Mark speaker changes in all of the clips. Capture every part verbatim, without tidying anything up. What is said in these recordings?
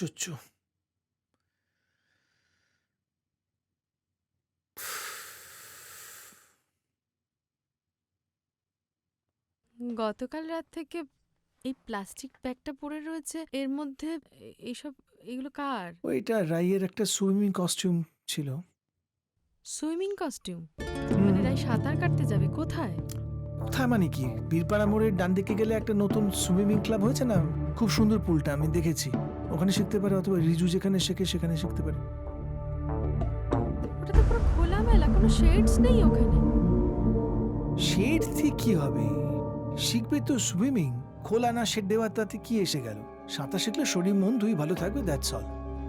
Speaker 1: আশ্চর্য।
Speaker 2: গতকাল রাত থেকে এই প্লাস্টিক ব্যাগটা পড়ে রয়েছে, এর মধ্যে এ- এইসব এগুলো কার?
Speaker 1: ওইটা রাইয়ের একটা সুইমিং কস্টিউম ছিল।
Speaker 2: Swimming costume?
Speaker 1: হুম,
Speaker 2: মানে রাই সাঁতার কাটতে যাবে কোথায়?
Speaker 1: কোথায় মানে কি, বীরপাড়া মোড়ের ডান দিকে গেলে একটা নতুন সুইমিং ক্লাব হয়েছে না, খুব সুন্দর পুলটা, আমি দেখেছি। ওখানে শিখতে পারে, অথবা রিজু যেখানে শেখে সেখানে শিখতে পারে।
Speaker 2: ওটা তো পুরো খোলামেলা, কোনো শেডস নেই ওখানে।
Speaker 1: শেড দিয়ে কি হবে, শিখবে তো সুইমিং। খোলা না শেড দেওয়া, তাতে কি এসে গেল? সাঁতার শিখলে শরীর মন দুই ভালো থাকবে, দ্যাটস অল।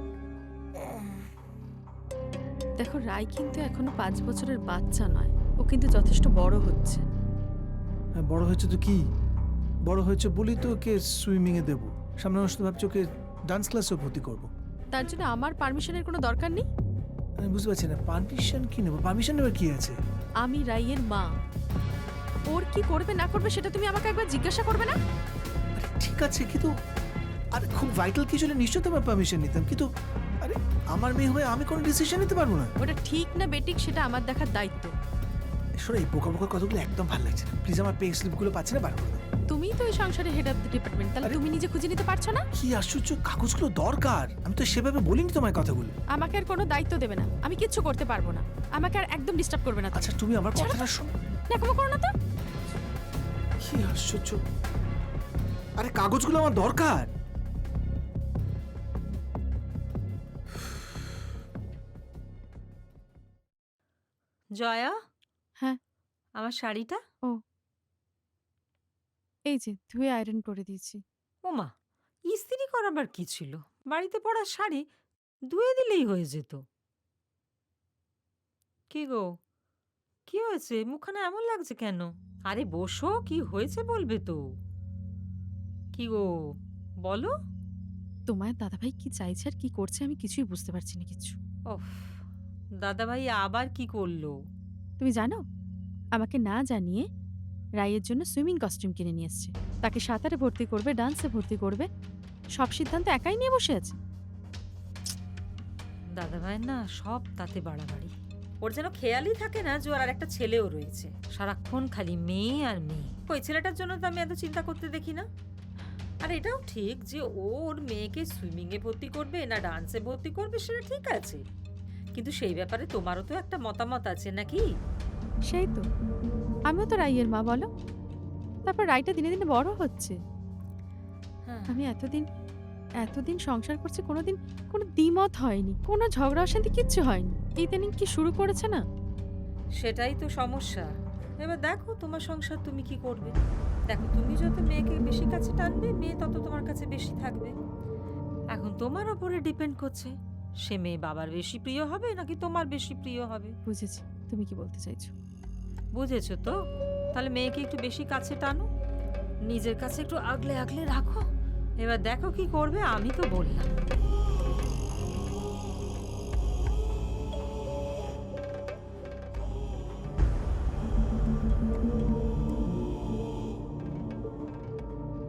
Speaker 2: দেখো, রাই কিন্তু এখনো পাঁচ বছরের বাচ্চা নয়, ও কিন্তু যথেষ্ট বড় হচ্ছে।
Speaker 1: হ্যাঁ, বড় হয়েছে তো কি, বড় হয়েছে বলি তো ওকে সুইমিং এ দেবো। সামনে মাসে তো ভাবছি ওকে ডান্স ক্লাসেও ভর্তি করবো।
Speaker 2: তার জন্য আমার পারমিশনের কোনো দরকার নেই।
Speaker 1: আমি বুঝতে পারছি না, পারমিশন কি নেবো? পারমিশন নেবার কি আছে?
Speaker 2: আমি রাইয়ের মা, ওর কি করবে না করবে সেটা তুমি আমাকে একবার জিজ্ঞাসা করবে না?
Speaker 1: আরে ঠিক আছে, কিন্তু আরে খুব ভাইটাল কিছু হলে নিশ্চয়ই তোমার পারমিশন নিতাম, কিন্তু আরে আমার মেয়ে হয়ে আমি কোনো ডিসিশন নিতে পারবো না।
Speaker 2: ওটা ঠিক না বেঠিক সেটা আমার দেখার দায়িত্ব।
Speaker 1: শোনো, এই বোকা বোকা কথাগুলো একদম ভালো লাগছে না, প্লিজ। আমার পে স্লিপগুলো পাচ্ছি না, বার করে দাও।
Speaker 2: তুমিই তো এই সংসারে হেড অফ দ্য ডিপার্টমেন্ট, তাহলে
Speaker 1: আরে-
Speaker 2: তুমি নিজে খুঁজে নিতে পারছো না?
Speaker 1: কি আশ্চর্য, কাগজগুলো দরকার, আমি তো সেভাবে বলিনি তোমার কথাগুলো।
Speaker 2: আমাকে আর কোনো দায়িত্ব দেবে না, আমি কিচ্ছু করতে পারবো না। আমাকে আর একদম ডিস্টার্ব করবে না।
Speaker 1: আচ্ছা তুমি আমার কথাটা শোনো।
Speaker 2: দেখো করো না তো।
Speaker 1: কি আশ্চর্য, আরে কাগজগুলো আমার দরকার।
Speaker 3: জয়া,
Speaker 2: হ্যাঁ।
Speaker 3: আমার শাড়িটা?
Speaker 2: এই যে ধুয়ে আয়রন করে দিয়েছি।
Speaker 3: ওমা, ইস্ত্রি করাবার কি ছিল? বাড়িতে পরা শাড়ি ধুয়ে দিলেই হয়ে যেত। কি গো, কি হয়েছে? মুখখানা এমন লাগছে কেন? আরে বসো, কি হয়েছে বলবে তো। কি গো, বলো।
Speaker 2: তোমার দাদাভাই কি চাইছে আর কি করছে আমি কিছুই বুঝতে পারছি না কিছু।
Speaker 3: ওফ, দাদাভাই আবার কি করলো?
Speaker 2: তুমি জানো, আমাকে না জানিয়ে রাইয়ের জন্য সুইমিং কস্টিউম কিনে নিয়ে এসছে। তাকে সাঁতারে ভর্তি করবে, ডান্সে ভর্তি করবে, সব সিদ্ধান্ত একাই নিয়ে বসে আছে।
Speaker 3: দাদাভাই না সব তাতে বাড়াবাড়ি। ওর যেন খেয়ালই থাকে না যে ওর আর একটা ছেলেও রয়েছে। সারাক্ষণ খালি মেয়ে আর মেয়ে। ওই ছেলেটার জন্য তো আমি এত চিন্তা করতে দেখি না। আর এটাও ঠিক যে ও ওর মেয়েকে সুইমিং এ ভর্তি করবে না ডান্সে ভর্তি করবে, সেটা ঠিক আছে, কিন্তু সেই ব্যাপারে তোমারও তো একটা মতামত আছে নাকি?
Speaker 2: সেই তো, আমিও তো রাইয়ের মা, বলো। তারপর রাইটা দিনে দিনে বড় হচ্ছে।
Speaker 3: হ্যাঁ,
Speaker 2: আমি এতদিন এতদিন সংসার করছি, কোনোদিন কোনো দ্বিমত হয়নি, কোনো ঝগড়া অশান্তি কিচ্ছু হয়নি। ইদানিং কি শুরু করেছে না।
Speaker 3: সেটাই তো সমস্যা। এবার দেখো তোমার সংসার তুমি কি করবে। দেখো, তুমি যত মেয়েকে বেশি কাছে টানবে, মেয়ে তত তোমার কাছে বেশি থাকবে। এখন তোমার ওপরে ডিপেন্ড করছে সে মেয়ে বাবার বেশি প্রিয় হবে নাকি তোমার বেশি প্রিয় হবে।
Speaker 2: বুঝেছি তুমি কি বলতে চাইছো।
Speaker 3: বুঝেছো তো? তাহলে মেয়েকে একটু বেশি কাছে টানো, নিজের কাছে একটু আগলে আগলে রাখো। এবার দেখো কি করবে, আমি তো বললাম।